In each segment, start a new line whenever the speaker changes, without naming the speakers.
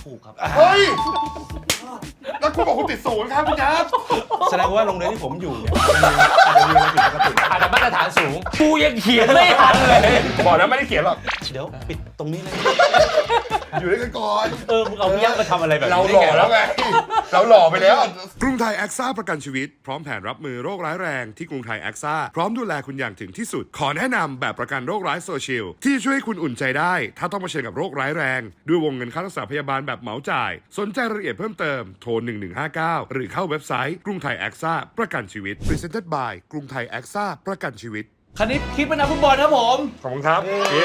ถูกครับ
เฮ้ยแล้วคุณบอกคุณติดศูนย์ครับคุณยับ
แสดงว่าโรงเรียนที่ผมอยู่เนี่ยอาจจะมีอะไรผิดปกติ
อาจจะมาตรฐานสูงกูยังเขียนไม่ทันเลย
บอกแล้วไม่ได้เขียนหรอก
เดี๋ยวปิดตรงนี้เลย
อยู่ด้วยกันก่อน
มึงเอาพี่ยักษ์มาทำอะไรแบบนี้
เราหล่อแล้วไงเราหล่อไปแล้ว
กรุงไทยแอคซ่าประกันชีวิตพร้อมแผนรับมือโรคร้ายแรงที่กรุงไทยแอคซ่าพร้อมดูแลคุณอย่างถึงที่สุดขอแนะนำแบบประกันโรคร้ายโซเชียลที่ช่วยให้คุณอุ่นใจได้ถ้าต้องเผชิญกับโรคร้ายแรงด้วยวงเงินค่ารักษาพยาบาลแบบเหมาจ่ายสนใจรายละเอียดเพิ่มเติมโทร1159หรือเข้าเว็บไซต์กรุงไทยแอคซ่าประกันชีวิต Presented by กรุงไทยแอคซ่าประกันชีวิต
คณิตคิดเป็นนักฟุตบอลครับผม
ขอบคุณครับ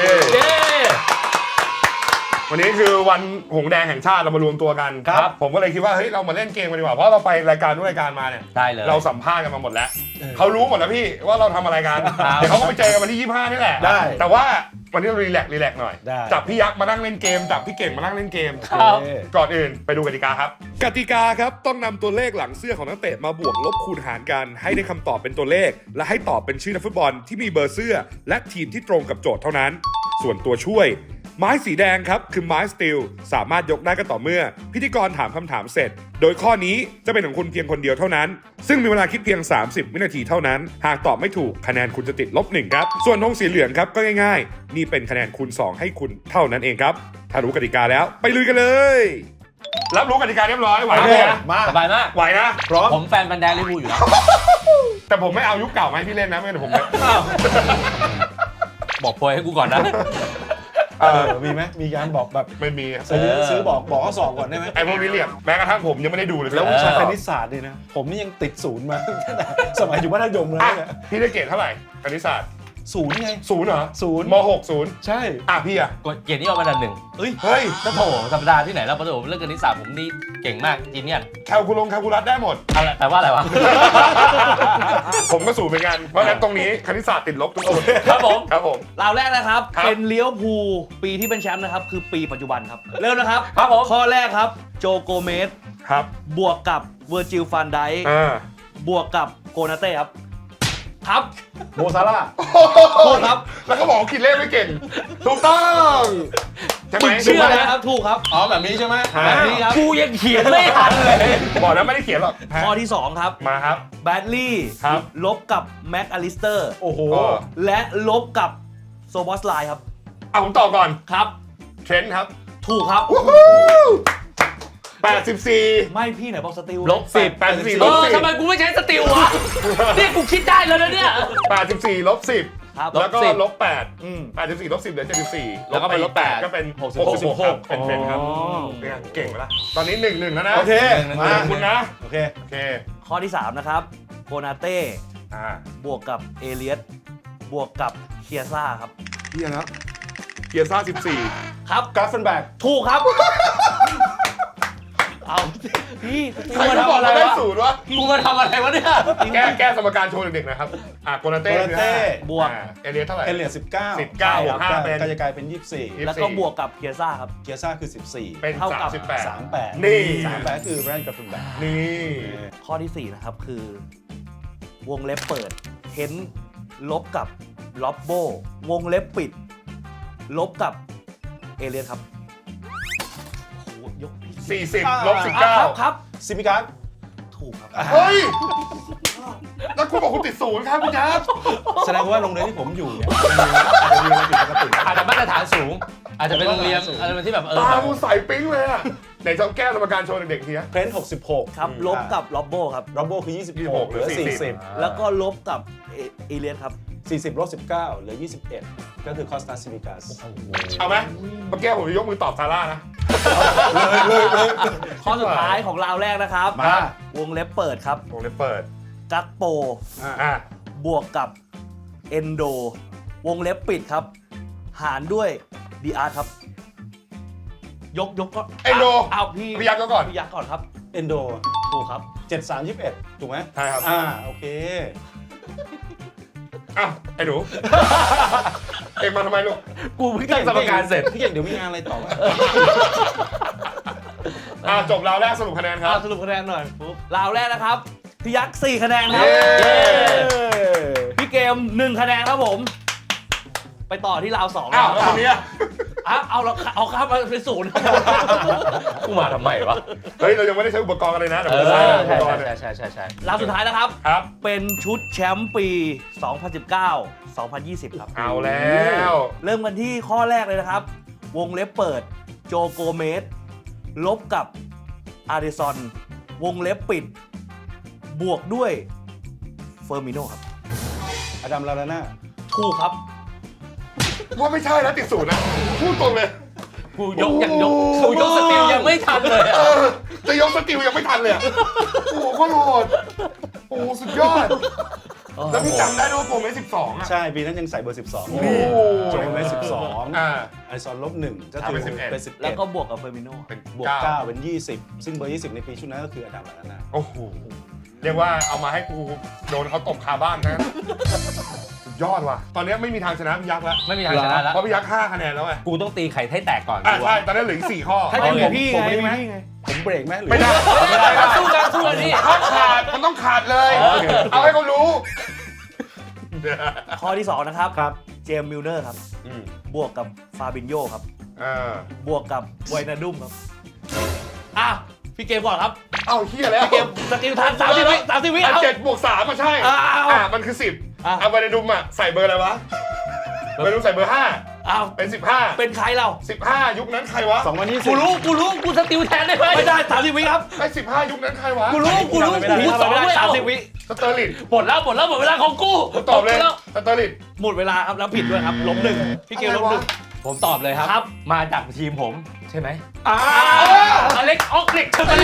วันนี้คือวันหงแดงแห่งชาติเรามารวมตัวกันครับผมก็เลยคิดว่าเฮ้ยเรามาเล่นเกมกันดีกว่าเพราะเราไปรายการทุกรายการมาเนี่ย
ได้เลย
เราสัมภาษณ์กันมาหมดแล้วเขารู้หมดแล้วพี่ว่าเราทำอะไรกันเดี๋ยวเขาก็ไปเจอกันวันที่25นี่แหละ
ได้
แต่ว่าวันนี้เรารีแลกซ์หน่อยจับพี่ยักษ์มานั่งเล่นเกมจับพี่เก่งมานั่งเล่นเกมก่อนอื่นไปดูกติกาครับ
กติกาครับต้องนำตัวเลขหลังเสื้อของนักเตะมาบวกลบคูณหารกันให้ได้คำตอบเป็นตัวเลขและให้ตอบเป็นชื่อนักฟุตบอลที่มีเบอร์เสื้อและทีมที่ตรงกับโจทย์เท่านั้นส่วนตัวช่วยไม้สีแดงครับคือไม้สตีลสามารถยกได้ก็ต่อเมื่อพิธีกรถามคำถามเสร็จโดยข้อนี้จะเป็นของคุณเพียงคนเดียวเท่านั้นซึ่งมีเวลาคิดเพียง30วินาทีเท่านั้นหากตอบไม่ถูกคะแนนคุณจะติด-1ครับส่วนธงสีเหลืองครับก็ง่ายๆนี่เป็นคะแนนคูณ2ให้คุณเท่านั้นเองครับถ้ารู้กติกาแล้วไปลุยกันเลย
รับรู้กติกาเรียบร้อยไหวไหม
มา
สบายมาก
ไหวนะ
พร้อม
ผมแฟนบันแดงลิเวอร์พูลอยู่แล้ว
แต่ผมไม่เอายุคเก่ามาให้พี่เล่นนะไม่งั้นผม
บอกโพยให้กูก่อนนะ
มีไหมมีการบอกแบบ
ไม่มี
ซื้อบอกข้อสอบก่อนได้ไหม
ไอ้พวกนี้เรียกแม้กระทั่งผมยังไม่ได้ดูเลย
แล้ววิชาคณิตศาสตร์เนี่ยนะผมนี่ยังติดศูนย์มาตั้งแต่สมัยอยู่มัธยมเลยเนี่ย
พี่ได้เกรดเท่าไหร่คณิตศาสตร์
ศูนย์ไง
0เหรอ
0
ม6 0
ใช่
พี่อะ
เกียรตินิยมอันดับ1
เฮ้ย
ก็โถธรรมดาที่ไหนแล้วประถมเรื่องคณิตศาสตร์ผมนี่เก่งมากจีเนียส
แคลคูลัสได้หมด
อะไรแต่ว่าอะไรวะ
ผมก็สูงเหมือนกันเพราะฉะนั้นตรงนี้คณิตศาสตร์ติดลบทุกคน
ครับผม
เราแรกนะครับเป็นเลี้ยวภูปีที่เป็นแชมป์นะครับคือปีปัจจุบันครับเริ่มนะครับ
ครับผม
ข้อแรกครับโจโกเมส
ครับ
บวกกับเวอร์จิลฟานไดค์บวกกับโกนาเต้ครับ
โมซาร่า
ถูกครับ
แล้วก็บอกคิดเลขไม่เก่งถูกต้องใช่ไหม
เชื่อนะครับถูกครับ
แบบนี้ใช่ไหม
แบบนี้ครับ
กูยังเขียนไม่ทันเลย
บอกแล้วไม่ได้เขียนหรอก
ข้อที่2ครับ
มาครับ
แบดลี่ลบกับแม็กอลิสเตอร์
โอ้โห
และลบกับโซบอสไลน์ครับ
ผมต่อก่อน
ครับ
เทรนด์ครับ
ถูกครับ
84
ไม่พี่ไหนบอกสติล
-10 84
ทำไมกูไม่ใช้สติลวะนี่กูคิดได้แล้วนะเนี่ย
84 -10
ครับ
แล้วก็-8 84 -10 เหลือ74
แล้วก็เป็น
8ก็เป็น66เป็นเป็นครับเก่งไปละตอนนี้1-1แล้วนะ
โอเค
มาคุณนะ
โอเค
ข้อที่3นะครับโกนาเต้บวกกับเอเลียสบวกกับเคียซ่าครับ
เฮียนะเคียซ่า14
ครับ
กราฟเฟนแบก
ถูกครับเอาพี่
ใครมาบอกเราได้0วะ
กูมาทำอะไรวะเนี่ย
แก้สมการโชว์เด็กๆนะครับโกนาเต้
บวก
เอเลียสเท่าไหร่
เอเลียส19
บวก5เป็น
ก็จะกลายเป็น24
แล้วก็บวกกับเคียซ่าครับ
เคียซ่าคือ14
เป็น
เท่ากับ
38นี่
38คือแบรนด์กราฟเฟนแบก
นี่
ข้อที่4นะครับคือวงเล็บเปิดเฮนลบกับล็อบโบวงเล็บปิดลบกับเอเลียสครับยก
40 -19
ครับ
ซิมิการ์
ถูกครับ
เฮ้ยแล้วคุณบอกคุณติด0ครับคุณยับ
แสดงว่าโรงเรียนที่ผมอยู่เนี่ยอาจจะมีอะไรผิดปกติ
อาจจะมาตรฐานสูงอาจจะเป็นโรงเรียนอะไรที่แบบ
ตาคุณใสปิ๊งเลยอะไหนจะแก้สมการโชว์เด็กๆทีนะ
เพรนท์66
ครับลบกับล็อบโบครับ
ล็อบโบคือ26เหลือ40
แล้วก็ลบกับเอเลียสครับ
40 -19เหลือ21ก็คือคอสตาซิมิกาส
เอาไหมเมื่อกี้ผมจะยกมือตอบซาร่านะ
ข้อสุดท้ายของราวแรกนะครับวงเล็บเปิดครับ
วงเล็บเปิด
กักโปบวกกับเอนโดวงเล็บปิดครับหารด้วยดีอาร์ครับยกก็
เอนโด
เอาพี่
ยักษ์ก่อน
พี่ยักษ์ก่อนครับ
เอนโด
ถูกครับ
73-21ถูกไหม
ใช่ครับ
โอเค
ไอ้หนูเอ็งมาทำไมลูก
กูเพิ่งตั้งสมการเสร็จ
พี่เก่งเดี๋ยวมีงานอะไรต่อ
จบราวแรกสรุปคะแนนครับ
สรุปคะแนนหน่อยราวแรกนะครับพี่ยักษ์4คะแนนครับพี่เกม1คะแนนครับผมไปต่อที่ราว2
แล้วคนนี้
เอาข้ามมาเป็น0กู
มาทำไมวะ
เฮ้ยเรายังไม่ได้ใช้อุปกรณ์อะไรนะเดี๋ยว
เอ
เรา
อ
ใช้อุปกรณ์
ใช่
ราวสุดท้ายนะครับ
ครับ
เป็นชุดแชมป์ปี 2019-2020 ครับ
เอาแล้ว
เริ่มกันที่ข้อแรกเลยนะครับ วงเล็บเปิดโจโกเมสลบกับอาร์เดซอนวงเล็บปิด บวกด้วยเฟอร์มิโนครับ
อดัมลาลาน่า
ถูกครับ
ว่าไม่ใช่แล้วติดศูนย์นะพูดตรงเลย
กูยกสติลยังไม่ทันเลย
เอ
อะ
อจะยกสติลยังไม่ทันเลยอะโอ้โหโคตรโหดโอ้โหสุดยอด แล้วพี่จำได้ด้วยว่าโปรเมส12อ่ะ
ใช่ปีนั้นยังใส่เบอร์ 12
โอ้โห
โจเมส
อ่า
12ไอซอน-1ก็คือ
เป็น11
เป็น
แล้วก็
11
บวกกับเฟอร์มิโน
เป็น
บวก
9
9เป็น 20 ซึ่งเบอร์ 20 ในปีชุดนั้นก็คืออดัมลาลาน่า
โอ้โห เรียกว่าเอามาให้กูโดนเขาตบคาบ้านนะสุดยอดว่ะ ตอนนี้ไม่มีทางชนะพี่ยักษ์แล้ว
ไม่มีทางชนะแล้ว
เพราะพี่ยักษ์5คะแนนแล้วไง
กูต้องตีไข่ให้แตกก่อน
อ่ะ
กู
ใช่
อะ
ตอนนี้เหลืออีก4ข้อ
ถ้าเป็นพี่
ผม
ไง
ไม่ได้ไหม
พี่ไง
ผมเบรกไหมหรือ
ไม่ได้
สู้กันนี่
ถ้าขาดมันต้องขาดเลย เอาให้เขารู้
ข้อที่ 2 นะครับ
ครับ
เจมส์มิลเนอร์ครับ บวกกับฟาบินโยครับ บวกกับไวนาดุมครับอ่ะพี่เกมก่อนครับ
เอาเฮียแล้ว
เกมสกิลทัน30 วิ30 วิเอา
7+3มาใช่
เอา
มันคือ 10
อ่ะ
เอาไปในดุมอ่ะใส่เบอร์อะไรวะไปดุมใส่เบอร์
เอา
5 เป็น
เป็นใครเรา
15 ยุคนั้นใครวะ
2020
กูรู้กูสติลแทนได้ไหม
ไม่ได้30 วิครับ
ไอ้15 ยุคนั้นใครวะ
กูรู้
กู
กู
ทำ
สอง
ไม่ได้
ไม่เอา
30 วิ
สเตอร์ลิน
หมดแล้วหมดเวลาของกู
ตอบเลย
แล้ว
สเตอร์ลิน
หมดเวลาครับแล้วผิดด้วยครับล้ม1พี่เกมล้ม
อะไรวะ
1
ผมตอบเลยครับ
ครับ
มาจากทีมผมใช่ไหม
อ้า
อเล็กออกเล็กใช่ไหม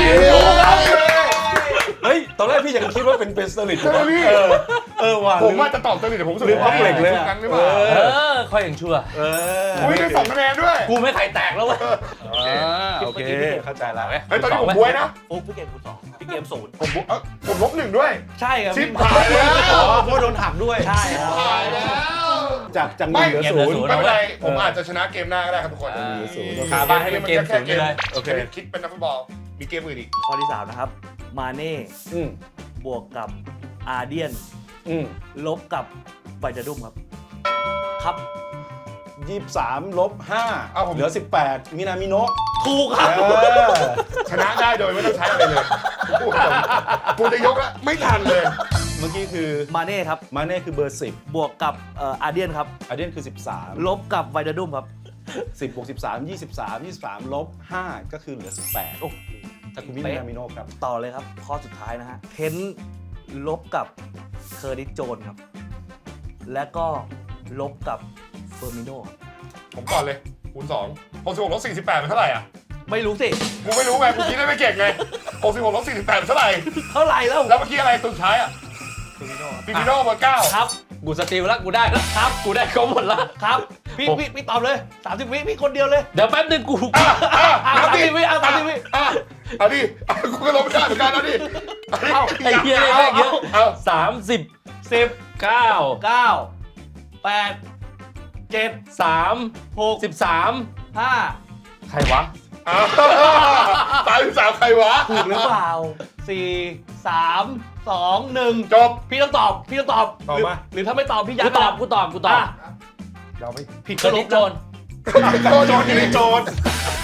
เฮ้ย ตอนแรกพี่ยังคิดว่าเป็นสเตอร์ลิต
ใช่ไหมพี่
ว่ะ
ผมว่าจะตอบสเตอร์ลินแต่ผมรู้สึก
ลืม
ว่า
ว่าเหล็กเลย
ยุ
อะ
คนั้นหรือเปล่า
ค่อยยังชั่ว
อุ้ยได้2 คะแนนด้วย
กูไม่ไข่แตกแล้วเว้ย
โอเค เข้าใจแล้ว
เฮ้ยตอนนี้ผมบวยนะ
ฟุกพี่เกมคุณ2พี่เกม0
ผมลบ1ด้วย
ใช่ครับ
ชิปหายแล้ว
เพราะโดนหักด้วย
ใช่ครับ
หายแล้ว
จาก1
ไม่
เหลือ
เกมเหลือ
0
0
ไม่เป็นไรผมอาจจะชนะเกมหน้าก็ได้ครับทุกคน
คาบ้านให้เป็นเกมศูนย์ไปเลย
โอเคคิดเป็นนักฟุตบอลมีเกมอื่นอีก
ข้อที่ 3 นะครับ มาเน่
อืม
บวกกับอาร์เดียน
อืม
ลบกับไวนาดุมครับ ครับ
23ลบ
เอาผม
5เหลือ 18 มินามิโนะ
ถูกครับ
ชนะได้โดยไม่ต้องใช้อะไรเลยกูจะยกแล้วไม่ทันเลย
เมื่อกี้คือ
มาเน่ครับ
มาเน่คือเบอร์ 10
บวกกับอาร์เดียนครับ
อาเดียนคือ 13
ลบกับไวนาดุมครับ
10บวก13 23ลบ5ก็คือเหลือ 18
โอ้
ทาคุมิมินามิโนะครับ
ต่อเลยครับ ข้อสุดท้ายนะฮะเทนลบกับเคอร์ดิสโจนครับ และก็ลบกับเฟอร์มิโนครับ
ผมก่อนเลยคูณ2 66ลบ48เป็นเท่าไหร่อ่ะ
ไม่รู้สิ
กูไม่รู้ไงกูคิดได้ไม่เก่งไง66ลบ48เป็นเท่าไหร่
เท่าไหร่แล้ว
แล้วเมื่อกี้อะไรตัวสุดท้ายอ่ะ
เฟอร์มิโนครับ
ฟิมิโน่เบอร์9
ครับ
กูสติลแล้วกูได้แล้วครับกูได้ก็หมดละ
ครับ พี่ตอบเลย30 วิพี่คนเดียวเลย
เดี๋ยวแป๊บนึงกู
เอาดิ
30 วิเอา30 วิ
เอาดิกูก็ลบไม่ได้เหมือนกันเอาดิ
เอาไอ้เหี้ยเลขเยอะ
เอา
30
10
9
9 8 7
3
6
13
5
ใครวะ
33ใครวะ
ถูกหรือเปล่า 4 3 2 1
จบ
พี่ต้องตอบ
ตอบมา
หรือถ้าไม่ตอบพี่ยั
กู
ด
ตอบกูตอบกูตอบ
เราไม่
ผิด
เค
ก็
ย
ล
นิ
บ
โจน
โจทย์นี่โจทย์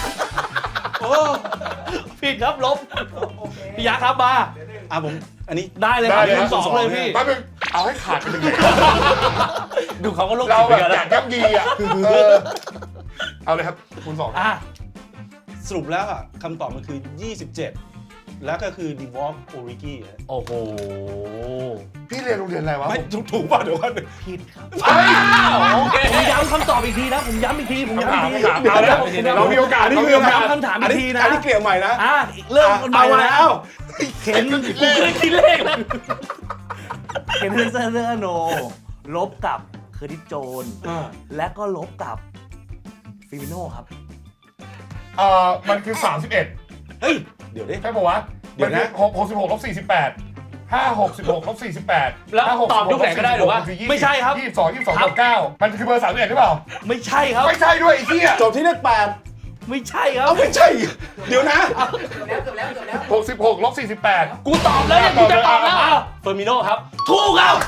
ผิดครับลบพี่ยักษ์ครับมา
ผมอันนี้
ได้เลยครับคูณ2เลยพี่
แป๊บนึงเอาให้ขาดไปหนึ่งเลย
ดูเขาก็โลก
เรา
จิต
แบ
เหมื
บ
อนกัน
อยา
นะ
กย่ำยีอ่ะเอาเลยครับคูณ2
อ่ะ
สรุปแล้วอะคำตอบมันคือ 27 แล้วก็คือ d e v o l v e Origi
โอ้โห
พี่เรียนโรงเรียนอะไรวะ
ไม่ถูกป่ะเดี๋ยวก่อน
ผิดครับ
โอเค
ผมย้ำคำตอบอีกทีนะผมย้ำอีกทีผมย้ำอีกที
เอาแล้วเรามีโอกาสเรามีโอกาส
ย้ำคำถามอีกทีนะ
อันนี้เกลี่ยใหม่นะ
เริ่มกันใหม่
เอา
แล้
แล้ว ว
เข็น
กูเคยคิดเลขแล้ว
เคนเฮนเซอร์โนลบกับเคอร์ดิสโจน และก็ลบกับฟิมิโน่ครับ
มันคือ 31
เฮ้ย
เดี๋ยวดิ
ใช่ป่าวะ
เดี๋ยวนะ
66ลบ48 566ลบ48
แล้วตอบทุกแผงก็ได้หรือวะ
ไม่ใช่ครับ
22บวก9มันคือเบอร์31หรือเปล่า
ไม่ใช่ครับ
ไม่ใช่ด้วยไอ้เหี้ย
จบที่เลข
ไม่ใช่ครับ
8ไม่ใช่ เดี๋ยวนะ
66ลบ48
กูตอบแล้วเนี่ยกูจะตอบแล้วเฟอร์มิโนครับ
ถูกครับ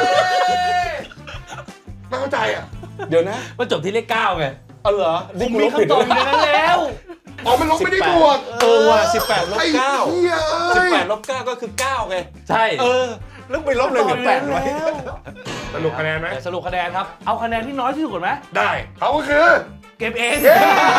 ไม่เข้าใจอ่ะ
เดี๋ยวนะ
มันจบที่เลข9ไง
เอาเหรอ
ผมมีคำตอบอยู่ในนั้นแล้ว
อ๋อมันลบไม่ได้บวก
ว่ะ18 ลบ
ไอ้
9
เหี้ยเอ้ย
18 ลบ 9 ก็คือ 9 ไง
ใช่
แล้วไปลบเลยเหลือ8ไว้
สรุปคะแนนไหม
เดี๋ยวสรุปคะแนนครับ
เอาคะแนนที่น้อยที่สุดก่อนไหม
ได้เขาก็คือ
เก็บเอง
เย้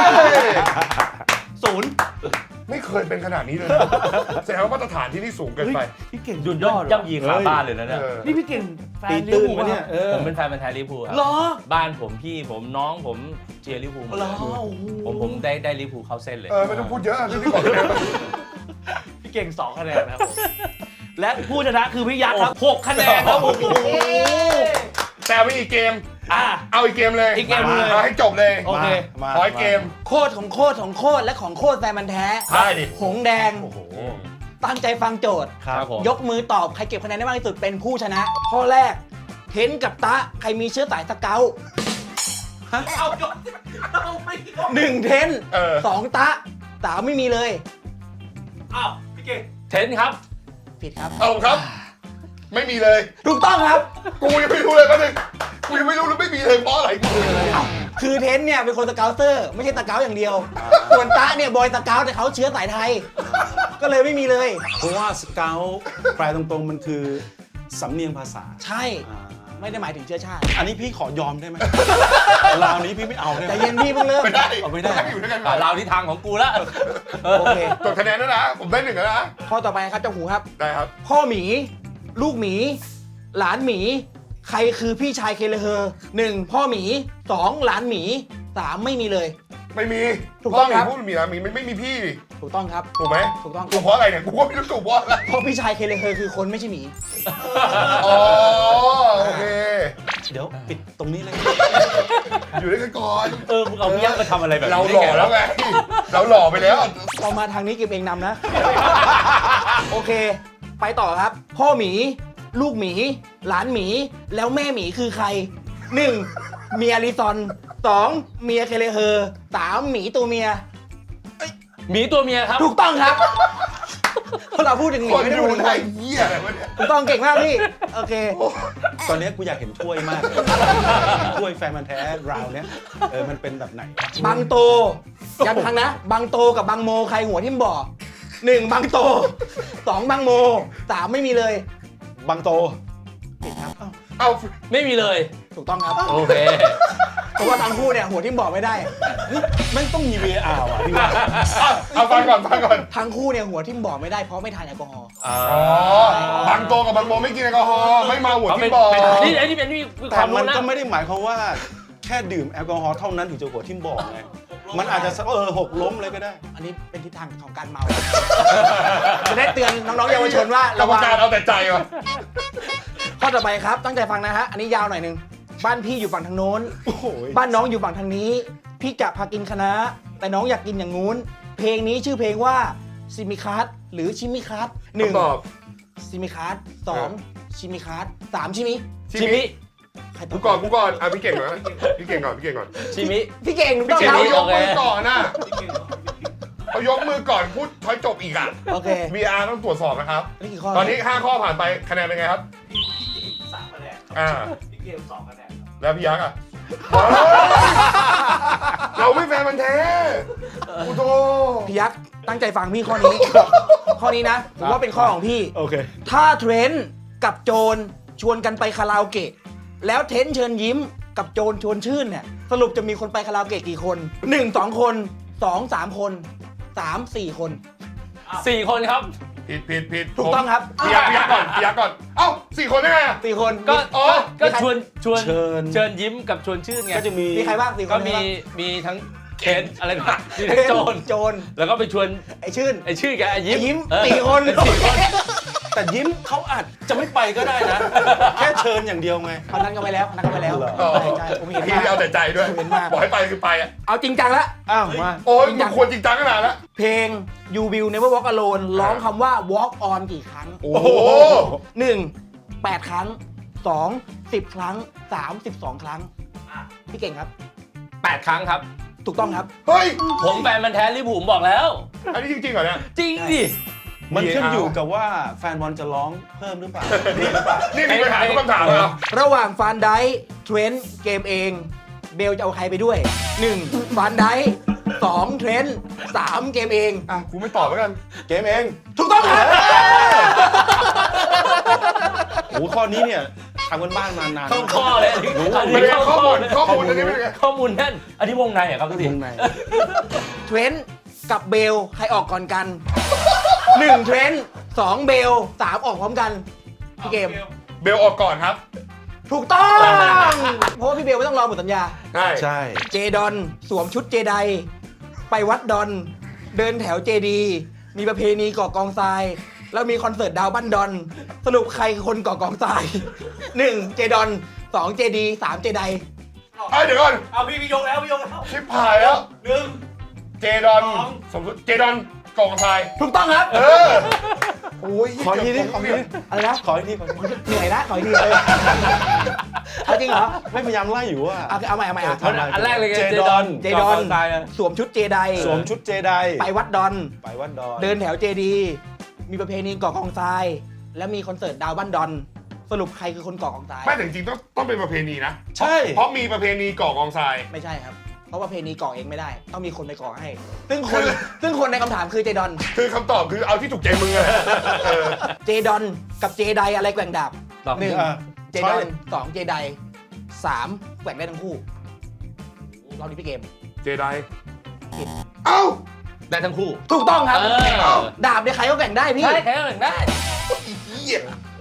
0
ไม่เคยเป็นขนาดนี้เลยนะแสดงว่ามาตรฐานที่นี่สูงเกินไป
พี่เก่ง
หยุดย่อย่ำยีขาบ้านเลยนะเนี่ย
เออ
นี่พี่เก่งแฟน
ตี
ลิ
ตื้
เวอน ร์พูล
มาเนี่ย
ผมเป็นแฟนพันธุ์แท้ลิเวอร์พูลครั
เหรอ
บ้านผมพี่ผมน้องผมเชียร์ลิเวอร์พูลหมด
เหร
เล
อย โอ้โห
ผมได้ลิเวอร์พูลเข้าเส้นเลย
ไม่ต้องพูดเยอะที่นี่ก่อนคะแนน
พี่เก่ง2คะแนนนะครับผมและผู้ชนะคือพี่ยักษ์ครับ6คะแนนครับโอ้โห
แต่ไม่อีกเกม
อ่ะ
เอาอีกเกมเลย
อีกเกมเลย
เอาให้จบเลย
โอเค
มา
ขออีกเกม
โคตรของโคตรของโคตรและของโคตรแฟนมันธุ์แท้
ได้ดิ
หงแดง
โอ้โห
ตั้งใจฟังโจทย์
ครับผม
ยกมือตอบ ใครเก็บคะแนนได้มากที่สุดเป็นผู้ชนะ ข้อแรก เทนกับตะ ใครมีเชื้อสายสเกาต์
เอาจบเอาไม่จบ
หนึ่งเทน สองตะสามไม่มีเลย
อ้าวพี่เก่ง
เทนครับ
ผิดครับ
เอาครับ ไม่มีเลย
ถูกต้องครับ
กูยังไม่รู้เลยแป๊บนึงกูยังไม่รู้เลยไม่มีเลยเพราะอะไรกูเลย
คือเทนเนี่ยเป็นคนสเกาเตอร์ ไม่ใช่สเกาอย่างเดียว ส่วนตะเนี่ยบอยสเกาแต่เขาเชื้อสายไทย ก็เลยไม่มีเลย
เพราะว่าสเกลแปลตรงๆมันคือสำเนียงภาษา
ใช่ ไม่ได้หมายถึงเชื้อชาติ
อันนี้พี่ขอยอมได้ไหม ราวนี้พี่ไม่เอาได้ไหม
แต่เย็นพี่เพิ่งเริ่ม
ไม่ได้
เอาไม่ได้
ให้อยู่ด้วยกันก่อน
เราที่ทางของกูละ
โอเค
จดคะแนนแล้วนะ ผมได้1แล้วนะ
ข้อต่อไปครับเจ้าหูครับ
ได้ครับ
พ่อหมี ลูกหมี หลานหมี ใครคือพี่ชายเคเลเฮอร์ 1. พ่อหมี 2. หลานหมี 3. ไม่มีเลย
ไม่มี
ถูกต้องครับ
พูดมีนะมีไม่มีพี่
ถูกต้องครับ
ถูกไหม
ถูกต้อง
ถูกเพราะอะไรเนี่ย กูก็ไม่รู้ถูกเพราะอะไร
เพราะพี่ชายเคเลเฮอร์คือคนไม่ใช่หมี
อ๋อ โอเค
เดี๋ยวปิดตรงนี้เลย
อยู่ด้วยกันก่อน
มึงเอาพี่ยักษ์มาทำอะไรแบบนี้
เราหล่อแล้วไง เราหล่อไปแล้ว
พอมาทางนี้เก็บเองนำนะ โอเค ไปต่อครับ พ่อหมี ลูกหมี หลานหมี แล้วแม่หมีคือใคร 1. เมียลิซอน 2. เมียเคเลเฮอร์ 3. หมีตัวเมีย
หมีตัวเมียครับ
ถูกต้องครับเพราะเราพูดถึงหมี
คน
ไม่ได้
ดู
พูดถึง
ไท
ใคร
ยเหี้ยอะไรวะเนี่ย
ถูกต้องเก่งมากพี่ โอเค
ตอนนี้กูอยากเห็นถ้วยมากเลยถ้วยแฟนมันธุ์แท้ราวเนี้ยมันเป็นแบบไหน
บางโตย้ำครั้งนะ บางโตกับบางโมใครหัวทิ่มบ่อ 1. บางโต 2. บางโม 3. ไม่มีเลย
บางโต
ผิดครับ
เอา
ไม่มีเลย
ถูกต้องครับ
โอเค
เพราะว่าทั้งคู่เนี่ยหัวทิ่มบ่อไม่ได้
ไม่ต้องมี VAR ว่ะพี่ว่า
เอาฟังก่อนฟังก่อน
ทั้งคู่เนี่ยหัวทิ่มบ่อไม่ได้เพราะไม่ทานแอลกอฮอล์
อ๋อบางโตกับบางโมไม่กินแอลกอฮอล์ไม่มาหัวที่บ่อ
นี่ไอ้นี่เป็นนี่ค
แต่
วาม
มั
รู้
น
นะ
ก็ไม่ได้หมายความว่าแค่ดื่มแอลกอฮอล์เท่านั้นถึงจะหัวทิ่มบอกไง มันอาจจะหกล้มเลยก็ได้
อันนี้เป็นทิศทางของการเมา จะได้เตือนน้องๆเยาวชนว่าก
ร
ระ
รม
วัง
การเอาแต่ใจว่ะ
ข้อต่อไปครับ ตั้งใจฟังนะฮะ อันนี้ยาวหน่อยหนึง บ้านพี่อยู่ฝั่งทางโน้น
โอ้โห
บ้านน้องอยู่ฝั่งทางนี้ พี่จะพากินคะน้าแต่น้องอยากกินอย่างงู้น เพลงนี้ชื่อเพลงว่าซิมิคัสหรือชิมิคัส
คำตอบ
ซิมิคัสสองชิมิคัสสามชิมิ
ชิมิ
ใครต
กู
อบ
ก่อนกูก่อนพี่เก่งนะพี่เก่งก่อนพี่เก่งก่อน
ชิมิ
พี่เก่งถูก
พี่
ต้อง
เก่ง
ครับ
เขายกมือก่อนน่ะเขายกมือก่อนพูดท้อยจบอีกอ่ะ
โอเค
VR ต้องตรวจสอบนะครับ
นี่กี่ข้อ
ตอนนี้ 5 ข้อผ่านไปคะแนนเป็นไงครับ
3คะแนน
อ่า
พี่เกม2คะแนนครับ
แล้วพี่ยักษ์อ่ะ เราไม่แฟนมันธุ์แท้กูโต
พี่ยักษ์ตั้งใจฟังพี่ข้อนี้ ข้อนี้นะผมว่าเป็นข้อของพี่
โอเค
ถ้าเทรนด์กับโจรชวนกันไปคาราโอเกะแล้วเทรนด์เชิญยิ้มกับโจรชวนชื่นเนี่ยสรุปจะมีคนไปคาราโอเกะกี่คน 1 2 คน 2 3 คน 3 4 คน
4 คนครับ
ผิด
ถูกต้องครับ
พี่ยักษ์ก่อนพี่ยักษ์ก่อนเอ้า4 คนได้ไงอะ
4 คน
ก็
อ๋อ
ก็ชวนเชิญ
ญ
ยิ้มกับชวนชื่นไง
ก็จะมี
มีใครบ้าง4 คน
ก็มีทั้งเคนอะไรนะมีทั้งโจร
โจร
แล้วก็ไปชวน
ไอชื่น
ไอ้ชื่อแกไอ้ยิ้ม
ไอ้ยิ้ม
เออ
4 คน
4 คน
แต่ยิ้มเขาอาจจะไม่ไปก็ได้นะ แค่เชิญอย่างเดียวไง
คนนั้นก็ไปแล้วคนนั้นก็ไปแล้ว
เหรอ
ใช่ใช่ผมเห็น
พี่
มาก
เอาแต่ใจด้วย
ผมเห็นมาก
บอกให้ไปคือไปอ่ะ
เอาจริงจังละ
อ้าวมา
โอ้ยมึงควรจริงจังขนาดแล้ว
เพลง You Will Never Walk Alone ร้องคำว่า Walk On กี่ครั้ง
โอ้โห
1 8 ครั้ง 2 10 ครั้ง 3 12 ครั้งพี่เก่งครับ
8 ครั้งครับ
ถูกต้องครับ
เฮ้ย
ผมแฟนมันธุ์แท้ลิเวอร์พูลผมบอกแล้ว
อันนี้จริงๆเหรอเนี่ย
จริงดิ
มันขึ้นอยู่กับว่าแฟนบอลจะร้องเพิ่มหรือเปล่า
นี่มีปัญหาทุกคำถามเลยเหรอ
ระหว่างฟานไดค์เทรนต์เกมเอง เบลจะเอาใครไปด้วย 1. ฟานไดค์ 2 เทรนด์ 3 เกมเอง
อ่ะกูไม่ตอบแล้วกัน
เกมเอง
ถูกต้องครับ
โอ้โหข้อนี้เนี่ยทำกันบ้านมานาน
เข้าข้อเลยอันนี้
ไม่ได้ข้อมูล
เลย
ข้อมูลอันนี้ไม่ได้
ข้อมูลแน่นอันนี้วงในเหรอครับทุกที
วงใน
เทรนด์กับเบลใครออกก่อนกัน 1 เทรนด์ 2 เบล 3 ออกพร้อมกันพี่เกม
เบลออกก่อนครับ
ถูกต้อง เพราะว่าพี่เบลไม่ต้องรอหมดสัญญา
ใช่
ใช่
เจดอนสวมชุดเจไดไปวัดดอน เดินแถวเจดี มีประเพณีก่อกองทราย แล้วมีคอนเสิร์ตดาวบ้านดอน สรุปใครคือคนก่อกองทราย 1. เจดอน 2. เจดี 3. เจได
เดี๋ยวก่อน
เอาพี่ยกแล้วพี่ยกแล้ว
ชิบหายแล้ว
1
เจดอนสมมติเจดอนกองทราย
ถูกต้องครับ
โอ้ย
ขออีกทีดิ
เกืบ
อะไรนะ
ขออีกทีขออีกที
เหนื่อยนะขออีกทีเลยเอาจริงเหรอ
ไม่พยายามไล่อยู่ว่า
เอาใหม่อ่ะ
อันแรกเลยไง
เจ
เจ
ด
ด
อ
อน น
เจดอน
ตายอะ
สวมชุดเจได
สวมชุดเจได
ไปวัดดอน
ไปวัดดอน
เดินแถวเจดี มีประเพณีก่อกองทราย และมีคอนเสิร์ตดาวบ้านดอน สรุปใครคือคนก่อกองทราย
ไม่แต่จริงๆต้องเป็นประเพณีนะ
ใช่
เพราะมีประเพณีก่อกองทราย
ไม่ใช่ครับ เพราะว่าประเพณีก่อเองไม่ได้ ต้องมีคนไปก่อให้ ซึ่งคนในคำถามคือเจดอน
คือคำตอบคือเอาที่ถูกใจมึงอะเออ
เจดอนกับเจไดอะไรแกว่งดาบ
ตอบ
หนึ่ง
อ่ะ
เจดอน 2 เจได 3 แกว่งได้ทั้งคู่รอบนี้พี่เกม
เจไดเอ้า
ได้ทั้งคู่
ถูกต้องครับ
เออ
ดาบเนี่ยใครก็แกว่งได้พี่
ใช่แค่หนึ่งได้
เหี้ย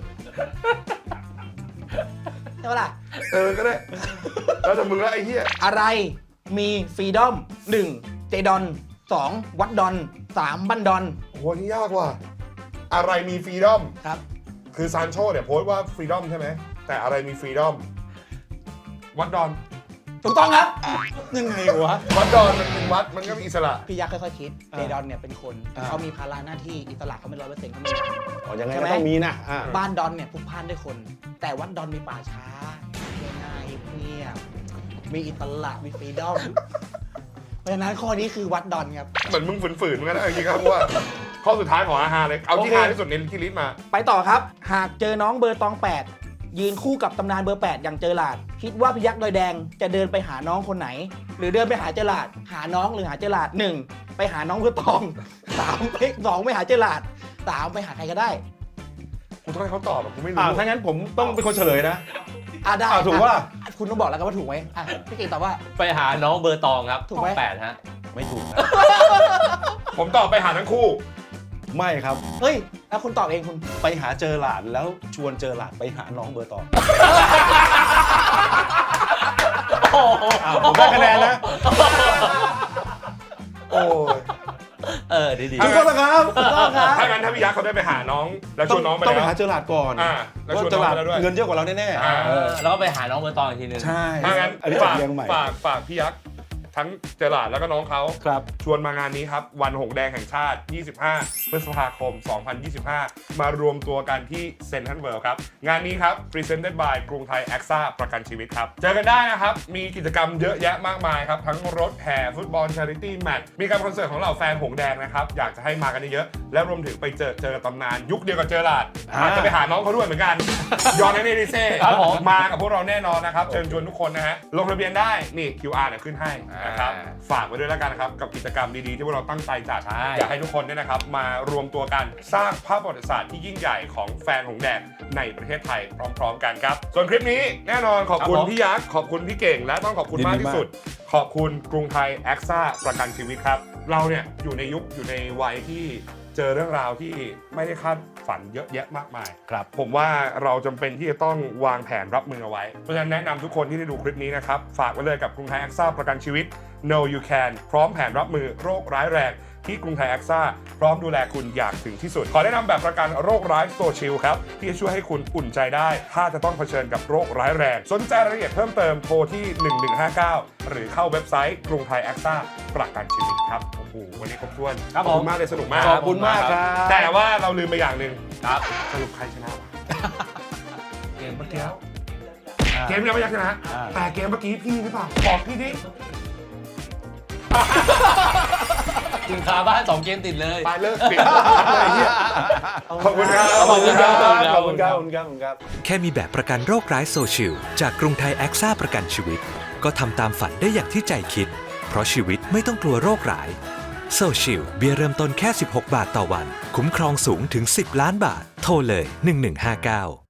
ใช่ปะล่ะ
ก็ได้ แล้วแต่มึงแล้วไอ้เหี้ย
อะไรมีฟรีดอม 1. เจดอน 2. วัดดอน 3. บันดอน
โหนี่ยากว่ะ อะไรมีฟรีดอม
ครับ
คือซานโชเนี่ยโพสต์ว่าฟรีดอมใช่ไหม แต่อะไรมีฟรีดอม วัดดอน
ถูกต้องครับ
ยังไงวะ
วัดดอนมันเป็นวัดมันก็มีอิสระ
พี่ยักษ์ค่อยๆคิด
อ่า
เจดอนเนี่ยเป็นคน
อ่า
เขามีภาระหน้าที่อิสระเขาไม่100%เขาไม่
อ๋อยังไง
ใช่
ก็
ไหม
ต้องมีนะอ่ะ
บ้านดอนเนี่ยพลุกพล่านด้วยคน แต่วัดดอนมีป่าช้าง่ายๆเงียบมีอิสระมีฟรีดอม เพราะฉะนั้นข้อนี้คือวัดดอนครับ
เหมือนมึงฝืนๆเหมือนกันนะจริงๆครับเพราะว่าข้อสุดท้ายของอาหารเลย เอาที่
โอเค
ฮาที่สุดในที่ลิสต์มา
ไปต่อครับ หากเจอน้องเบอร์ตอง 8 ยืนคู่กับตำนานเบอร์ 8 อย่างเจอหลาด คิดว่าพยักดอยแดงจะเดินไปหาน้องคนไหน หรือเดินไปหาเจอหลาด หาน้องหรือหาเจอหลาด 1. ไปหาน้องเบอร์ตอง 3. ไป 2. ไปหาเจอหลาด 3. ไปหาใครก็ได้
กูต้องให้เขาตอบอะกูไม่รู้
ถ้างั้นผมต้องเป็นคนเฉลยนะ
ได้
ถูกปะล่ะ
คุณต้องบอกแล้วกันว่าถูกไหมพี่เก่งตอบว่า
ไปหาน้องเบอร์ตองครับ
ถูกไหม
8ฮะ
ไม่ถูกนะ
ผมตอบไปหาทั้งคู่
ไม่ครับ
เฮ้ย แล้วคุณตอบเองคุณ
ไปหาเจอหลานแล้วชวนเจอหลานไปหาน้องเบอร์ตอง
โอ้โห
ผมได้คะแนนนะ
โอ้ย
ดี
ถูกต้องนะครับ
ถูกต้องครับ
ถ้างั้นถ้าพี่ยักษ์เขาได้ไปหาน้องแล้วชวนน้องไป
ต้องไป
แล้ว
หาเจอหลานก่อน
แล้วชวน
เจ
น้
อ
อง
หลาน
ไปแล้วด้วย
เงินเยอะกว่าเราแน่
อ่า
แล้วก็ไปหาน้องเบอร์ตองอีกทีนึง
ๆใช่
ถ้างั้น
อันนี้
ฝาก
เรียงใหม่
ฝากพี่ยักษ์ทั้งเจอหลาดแล้วก็น้องเขา
ครับ
ชวนมางานนี้ครับ วันหงแดงแห่งชาติ 25 พฤษภาคม 2025 มารวมตัวกันที่เซ็นทรัลเวิลด์ครับ งานนี้ครับ Presented by กรุงไทยแอคซ่าประกันชีวิตครับ เจอกันได้นะครับ มีกิจกรรมเยอะแยะมากมายครับ ทั้งรถแห่ฟุตบอล Charity Match มีการคอนเสิร์ตของเหล่าแฟนหงแดงนะครับ อยากจะให้มากันเยอะๆและรวมถึงไปเจอตำนานยุคเดียวกับเจอหลาดอาจจะไปหาน้องเขาด้วยเหมือนกันยอนเนดิเซ่
ครับผม
มากับพวกเราแน่นอนนะครับเชิญชวนทุกคนนะฮะลงทะเบียนได้นี่ QR เนี่ยขึ้นให้นะครับฝากไว้ด้วยแล้วกันนะครับกับกิจกรรมดีๆที่พวกเราตั้งใจจัด
ใช่
อยากให้ทุกคนเนี่ยนะครับมารวมตัวกันสร้างภาพประวัติศาสตร์ที่ยิ่งใหญ่ของแฟนหงแดงในประเทศไทยพร้อมๆกันครับส่วนคลิปนี้แน่นอนขอบคุณพี่ยักษ์ขอบคุณพี่เก่งและต้องขอบคุณมากที่สุด ขอบคุณกรุงไทยแอคซ่าประกันชีวิตครับเราเนี่ยอยู่ในยุคอยู่ในวัยที่เจอเรื่องราวที่ไม่ได้คาดฝันเยอะแยะมากมาย
ครับ
ผมว่าเราจำเป็นที่จะต้องวางแผนรับมือเอาไว้ เพราะฉะนั้นแนะนำทุกคนที่ได้ดูคลิปนี้นะครับ ฝากไว้เลยกับกรุงไทยแอคซ่าประกันชีวิต Know You Can พร้อมแผนรับมือโรคร้ายแรงที่กรุงไทยแอคซ่าพร้อมดูแลคุณอย่างถึงที่สุด ขอแนะนำแบบประกันโรคร้ายโซชิลครับที่จะช่วยให้คุณอุ่นใจได้ ถ้าจะต้องเผชิญกับโรคร้ายแรง สนใจรายละเอียดเพิ่มเติมโทรที่ 1159 หรือเข้าเว็บไซต์กรุงไทยแอคซ่าประกันชีวิตครับโอ้โหวันนี้ครบถ้วน
ครับ
ขอบ
ผม
คุณมากเลยสนุกมาก
ขอบคุณมากครับ
แต่ว่าเราลืมไปอย่างหนึ่ง
ครับ
สรุปใครชนะวะ
เกมเมื่อกี้
เกมยังไม่ยักชนะ แต่เกมเมื่อกี้พี่หรือเปล่าบอกพี่ดิ
กินคาบ้าน2 เกมติดเลย
ไปเลิกปิดอะไรเงี้ยขอบคุณครับ
ขอบคุณครับ
ขอบคุณครับขอบคุณครับขอบคุณครับ
แค่มีแบบประกันโรคร้ายโซชิลจากกรุงไทยแอคซ่าประกันชีวิต ก็ทำตามฝันได้อย่างที่ใจคิดเพราะชีวิตไม่ต้องกลัวโรคร้ายโซชิลเบียร์เริ่มต้นแค่16 บาทต่อวันคุ้มครองสูงถึง10 ล้านบาทโทรเลย1159